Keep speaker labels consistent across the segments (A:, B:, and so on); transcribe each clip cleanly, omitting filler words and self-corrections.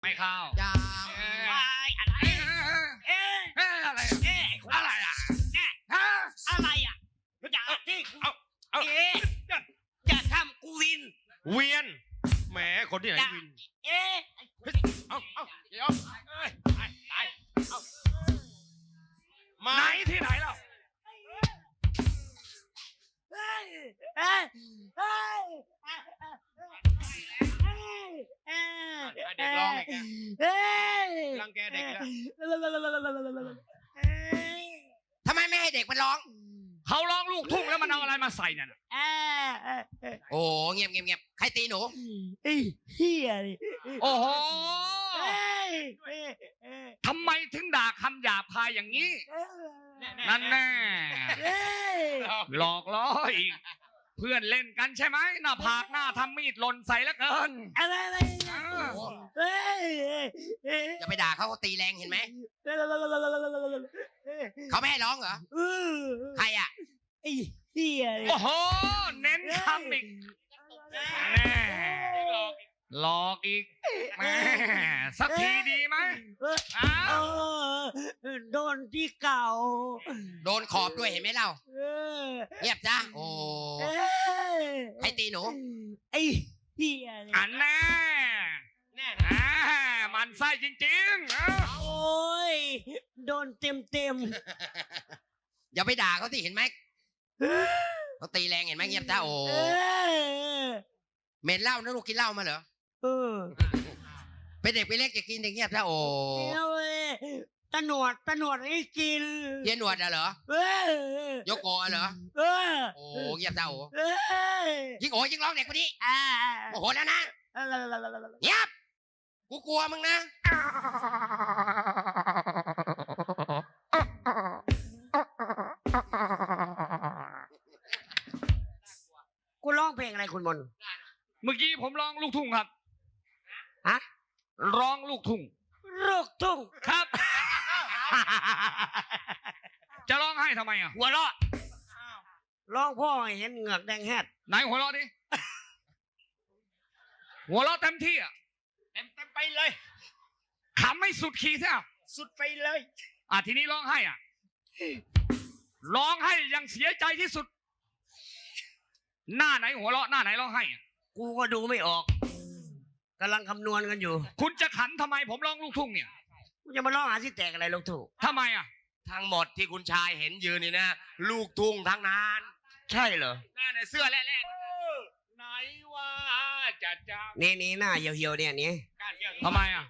A: ไม่เข้า
B: อย่า
C: อะไร
A: อะไรอะไรอ่ะ
C: เนี่ยอะไรอ่ะอย่าที่อย่าทำกูวิน
A: เวียนแหมคนที่ไหนวิน
B: เดี๋ยว
A: ไหนที่ไหนเรา
B: เด็กร้องอีกรังแกเด็กแล้วทำไมไม่ให้เด็กมันร้อง
A: เขาร้องลูกทุ่งแล้วมันเอาอะไรมาใส่เนี่ย
B: โอ้เงียบใครตีหนู
C: เฮีย
A: โอ้โหทำไมถึงด่าคำหยาบคายอย่างนี้นั่นแน่หลอกล้ออีกเพื่อนเล่นกันใช่ไหมหน้าผากหน้าทำมีดหล่นใส่แล้วเกิน
C: อะไร
B: อย่าไปด่าเขาตีแรงเห็นไหมเขาไม่ให้ร้องเหรอใครอ่ะ
C: ไอ้เหี้ย
A: โอ้โหเน้นคำอีกแน่หลอกอีกแม่สักทีดีไหม
C: โดนที่เก่า
B: โดนขอบด้วยเห็นไหมเราเงียบจ้ะโอ้ให้ตีหนู
C: ไอ้เหี้ย
A: อันแน่มันไส้จริง
C: ๆโอ้ยโดนเต็ม
B: อย่าไปด่าเขาสิเห็นไหมเขาตีแรงเห็นไหมเงียบจ้ะโอ้เหม็นเหล้านะลูกกินเหล้ามาเหรอเป็นเด็กไปเล็กจะกินอย่างเงียบจ้ะโอ้
C: ตะหนวดให้กิน
B: เย็นหนวดเหรอโยโกะเหรอโอ้เงียบจ้ะโอ้ยิ่งโอ้ยิ่งร้องเด็กคนนี้โอ้โหแล้วนะเงียบกูกลัวมึงนะ
C: กูร้องเพลงอะไรคุณมน
A: เมื่อกี้ผมร้องลูกทุ่งครับ
C: ฮะ
A: ร้องลูกทุ่งครับจะร้องให้ทำไมอ่ะ
C: หัวเราะร้องพ่อเห็นเหงือกแดงแฮด
A: ไหนหัวเราะดิหัวเราะเต็มที่อ่ะ
C: เต็มไปเลย
A: ขำไม่สุดขีดใช่ไหม
C: สุดไปเลย
A: ทีนี้ร้องให้อ่ะร้องให้ยังเสียใจที่สุดหน้าไหนหัวเราะหน้าไหนร้องให้
C: กูก็ดูไม่ออกกำลังคำนวณกันอยู่
A: คุณจะขันทำไมผมร้องลูกทุ่งเนี่ย
C: คุณจะมาร้องหาที่แตกอะไรลูกทุ่ง
A: ทำไมอ่ะ
B: ทั้งหมดที่คุณชายเห็นยืนนี่นะลูกทุ่งทั้งนั้น
C: ใช่เหรอ
B: หน้าในเสื้อแร่
A: ๆไหนว่าจะ
C: นี่หน้าเหี่ยวๆเนี่ยนี่
A: ทำไมอ่ะ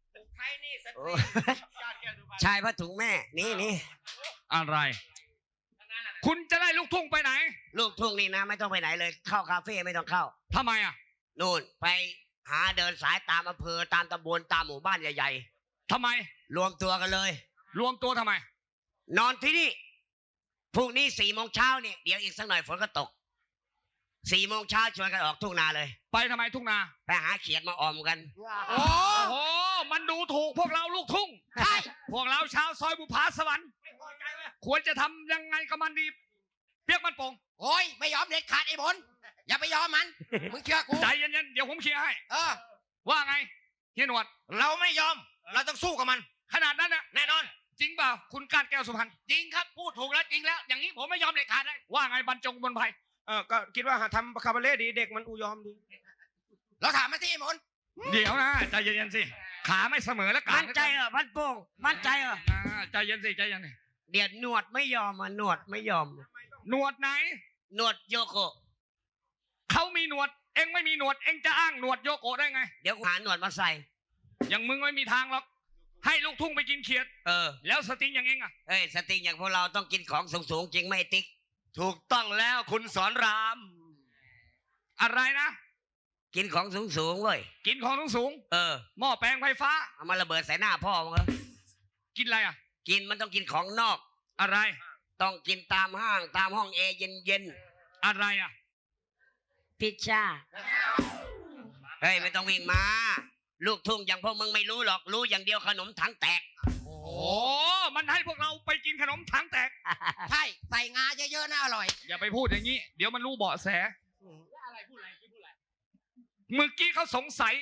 C: ชายผ้าถุงแม่นี่
A: อะไรคุณจะได้ลูกทุ่งไปไหน
C: ลูกทุ่งนี่นะไม่ต้องไปไหนเลยเข้าคาเฟ่ไม่ต้องเข้า
A: ทำไมอ่ะ
C: นู่นไปหาเดินสายตามอำเภอตามตำบลตามหมู่บ้านใหญ่
A: ๆทำไม
C: รวมตัวกันเลย
A: รวมตัวทำไม
C: นอนที่นี่พรุ่งนี้4 โมงเช้าเนี่ยเดี๋ยวอีกสักหน่อยฝนก็ตก4 โมงเช้าชวนกันออกทุ่งนาเลย
A: ไปทำไมทุ่งนา
C: ไปหาเขียดมาออมกัน
A: โอ้โหมันดูถูกพวกเราลูกทุ่ง
B: ใช่
A: พวกเราชาวซอยบุพาสวรรค์ควรจะทำยังไงกับมันดีเปียกมันโป่ง
B: โอ้ยไม่ยอมเด็ดขาดไอ้บนอย่าไปยอมมันมึงเชื่อกู
A: ใจเย็นๆเดี๋ยวผมเคลียร์ให้
B: ว่า
A: ไงเฮียหนวด
B: เราไม่ยอมเราต้องสู้กับมัน
A: ขนาดนั้นนะ
B: แน่นอน
A: จริงเปล่าคุณกาดแก้วสุพรรณ
B: จริงครับพูดถูกแล้วจริงแล้วอย่างนี้ผมไม่ยอมเด็ดขาดเลย
A: ว่าไงบรรจงบนไผ่
D: ก็คิดว่าทำคาบาเล่ดีเด็กมันอุยอมดี
B: เราถามมาสิไอ้มน
A: เดี๋ยวนะใจเย็นๆสิขาไม่เสมอแล้วกัน
C: มั่นใจเหรอพันโป่งมั่นใจเหรอ
A: ใจเย็นสิใจเย็น
C: เดี๋ยวหนวดไม่ยอมหนวดไม่ยอม
A: หนวดไหน
C: หนวดโยโกะ
A: เขามีหนวดเอ็งไม่มีหนวดเอ็งจะอ้างหนวดโยโกะได้ไง
C: เดี๋ยวหาหนวดมาใส่
A: อย่างมึงไม่มีทางหรอกให้ลูกทุ่งไปกินเขียดแล้วสติงอย่างเอ็งอ่ะ
C: สติงอย่างพวกเราต้องกินของสูงๆจริงไหมติ๊ก
B: ถูกต้องแล้วคุณสอนราม
A: อะไรนะ
C: กินของสูงๆเว้ย
A: กินของสูงหม้อแปลงไฟฟ้า
C: เอามาระเบิดใส่หน้าพ่อมึงเหรอ
A: กินอะไรอ่ะ
C: กินมันต้องกินของนอก
A: อะไร
C: ต้องกินตามห้างตามห้องแอร์เย็น
A: อะไรอ่ะ
C: พิซซ่าเฮ้ยไม่ต้องวิ่งมาลูกทุ่งอย่างพวกมึงไม่รู้หรอกรู้อย่างเดียวขนมถังแตก
A: โอ้มันให้พวกเราไปกินขนมถังแตก
B: ใช่ใส่งาเยอะๆน่าอร่อย
A: อย่าไปพูดอย่างนี้เดี๋ยวมันรู้เบาะแสเมื่อกี้เขาสงสัย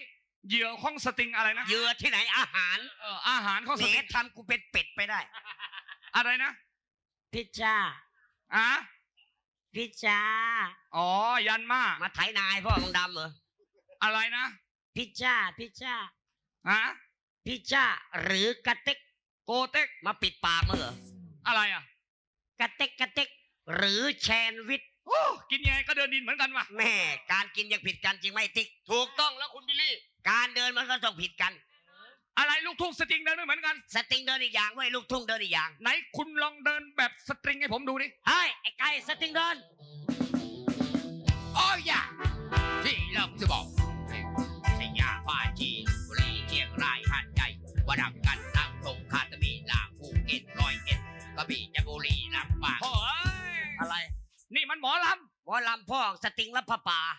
A: เหยื่อของสติงอะไรนะ
C: เหยื่อที่ไหนอาหาร
A: อาหารของ
C: แห
A: ส
C: ม
A: ติง
C: ทำกูเป็นเป็ดไปได้
A: อะไรนะ
E: พิชจ้า
A: อ่ะ
E: พิชจ้า
A: อ๋อยันมา
C: มาไถนายพ่อของดำเหรอ
A: อะไรนะ
E: พิชจ้าพิชจ้า
A: ฮะ
C: พิชจ้าหรือกระเต็ก
A: โกเต็ก
C: มาปิดปากมึงเหรอ
A: อะไรอ่ะ
C: กระเต็กกระเต็กหรือแชนวิท
A: โอ้กินยังไงก็เดินดินเหมือนกันว่ะ
C: แม่การกินยังผิดกันจริงไหมติ๊ก
B: ถูกต้องแล้วคุณบิลลี่
C: การเดินมันก็ต้องผิดกัน
A: อะไรลูกทุ่งสตริงเดินไม่เหมือนกัน
C: สตริงเดินอีกอย่างเว้ยลูกทุ่งเดินอีกอย่าง
A: ไหนคุณลองเดินแบบสตริงให้ผมดูดิ
C: เฮ้ยไอ้ไก่สตริงเดิน
B: โอ้ยอย่าที่เราจะบอกสยามพาจีนบุรีเชียงรายหาดใหญ่วดังกันตั้งตรงคาตามีลาวภูเก็ตร้อยเอ็ดกระบี่จันทบุรีลำปาง
A: โอ้ย
C: อะไร
A: นี่มันหมอล
C: วอลำพ่อสตริงและผ้าป่า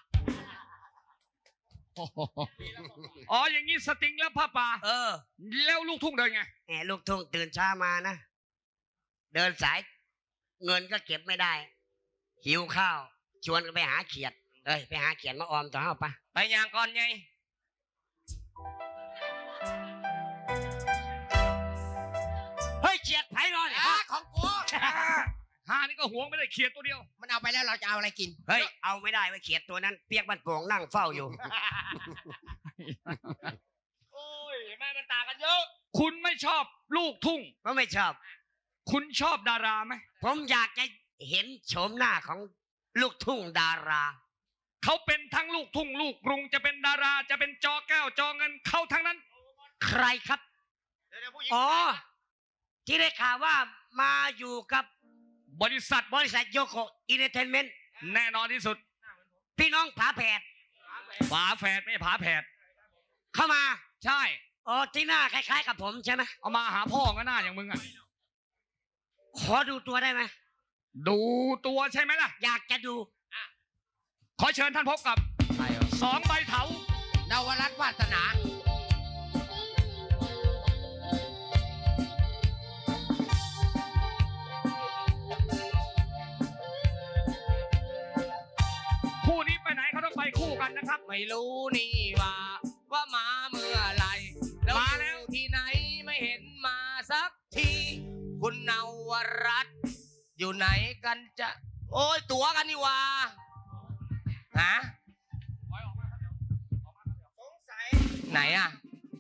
A: ำอ๋ออย่างนี้สตริงแล้วผ้าป่า แล้วลูกทุ่งเดินไง
C: แหมลูกทุ่งตื่นเช้ามานะ เดินสายเงินก็เก็บไม่ได้ หิวข้าว ชวนกันไปหาเขียด เอ้ยไปหาเขียดมาออมต่อเฮาปะ
B: ไปยางก่อนไง
C: เฮ้ยเขียดไผ่นอน
B: ของกู
A: หานี่ก็หวงไม่ได้เขียดตัวเดียว
B: มันเอาไปแล้วเราจะเอาอะไรกิน
C: เฮ้ยเอาไม่ได้ไว้เขียดตัวนั้นเปียกบ้านโป่งนั่งเฝ้าอยู่
B: โอ้ยแม่มันต่างกันเยอะ
A: คุณไม่ชอบลูกทุ่ง
C: ก็ไม่ชอบ
A: คุณชอบดาราไหม
C: ผมอยากจะเห็นโฉมหน้าของลูกทุ่งดารา
A: เขาเป็นทั้งลูกทุ่งลูกกรุงจะเป็นดาราจะเป็นจอแก้วจอเงินเขาทั้งนั้น
C: ใครครับ อ๋อ ที่ได้ข่าวว่ามาอยู่กับบ
A: ริษัท
C: บริษัทโยโกอินเตอร์เทนเมนต์
A: แน่นอนที่สุด
C: พี่น้องผาแผด
A: ฝาแฝดไม่ใช่ผาแผด
C: เข้ามา
A: ใช่
C: อ๋อที่หน้าคล้ายๆกับผมใช่ไหม
A: เอามาหาพ่อก็หน้าอย่างมึงอ่ะ
C: ขอดูตัวได้ไหม
A: ดูตัวใช่ไหมล่ะ
C: อยากจะดู
A: ขอเชิญท่านพบกับสองใบเถาน
B: วรัตน์วาสนา
A: คู่นี้ไปไหนเขาต้องไปคู่กันนะครับ
B: ไม่รู้นี่ว่ามาเมื่อไหรแล้ว
A: มาแล้ว
B: อยู่ที่ไหนไม่เห็นมาสักทีคุณนวรัตน์อยู่ไหนกันจะ โอ้ยตั๋วกันนี่หว่าฮะไหนอะ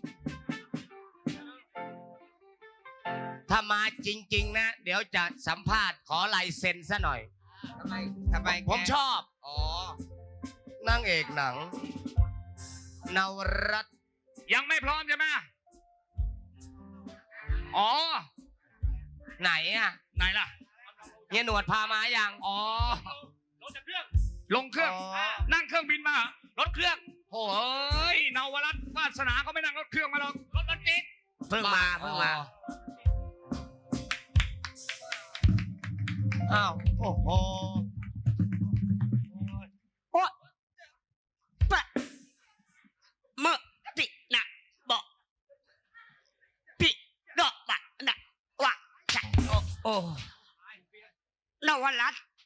B: ถ้ามาจริง ๆ นะ เดี๋ยวจะสัมภาษณ์ขอลายเซ็นซะหน่อย
F: ทำไม
B: ผมชอบ
F: อ๋อ
B: นางเอกหนัง นวรัตน์
A: ยังไม่พร้อมใช่ไหมอ๋อ
B: ไหนอะ
A: ไหนล่ะ
B: เฮียหนวดพามายัง
A: อ๋อ ลงจากเครื่อง ลงเครื่อง
B: อ๋อ
A: นั่งเครื่องบินมาเหรอรถเครื่องโอ้ยนวรัตน์วาสนาเขาไม่นั่งรถเครื่องมาหรอกรถจิ๊ก
C: เพิ่งมาเพิ่งมา
B: อ้าวโอ้โห
C: เมื่อตินะบอกปิดอกบะนะวะจะโอ้นวรัตน์